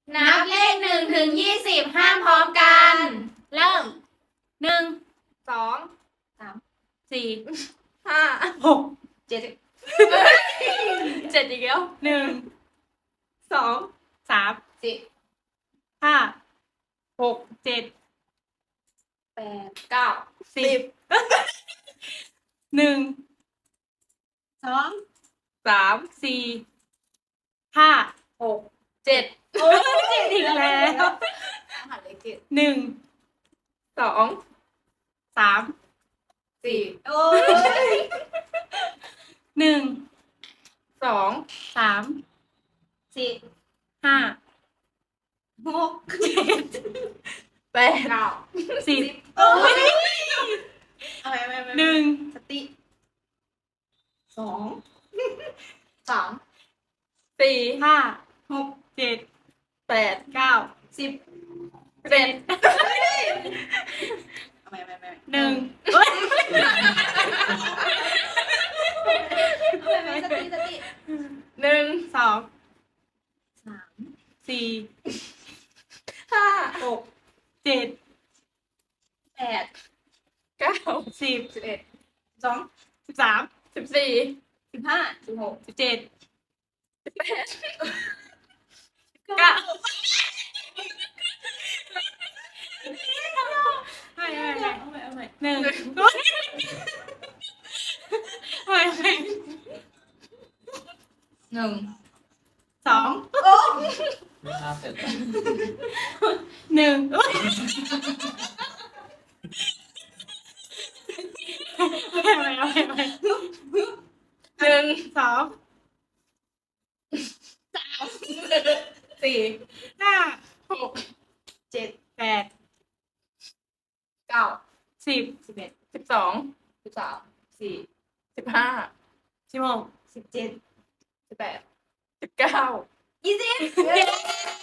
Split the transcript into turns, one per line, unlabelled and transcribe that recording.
นับเลข1 ถึง 20ห้ามพร้อมกัน เริ่ม1
2
3 4
5
6
7
7อีกแล้ว
2
3
4
5 6 7
8 9
10 1 2
3
4 5
6 7
โอ้ย7อีกแล้ว
หันเลข7
1
2
3
4
โอ้ย1
2
3
4
5
6
7
8
10
โอ้ย
1
สติ2 3
4 5 6 7 8 9 10 11 1
สติสติ
1 2
3
4
5 6
7
8
9 10
11
12 13 14
15 16
17
9
9ไม่
เอาใหม่
1ไม่
1
2
ไม่น่าเสร็จ
1เอาไป1 2
4
5
6 7
8
9
10
11
12
13 4
15 16
17 18
19
20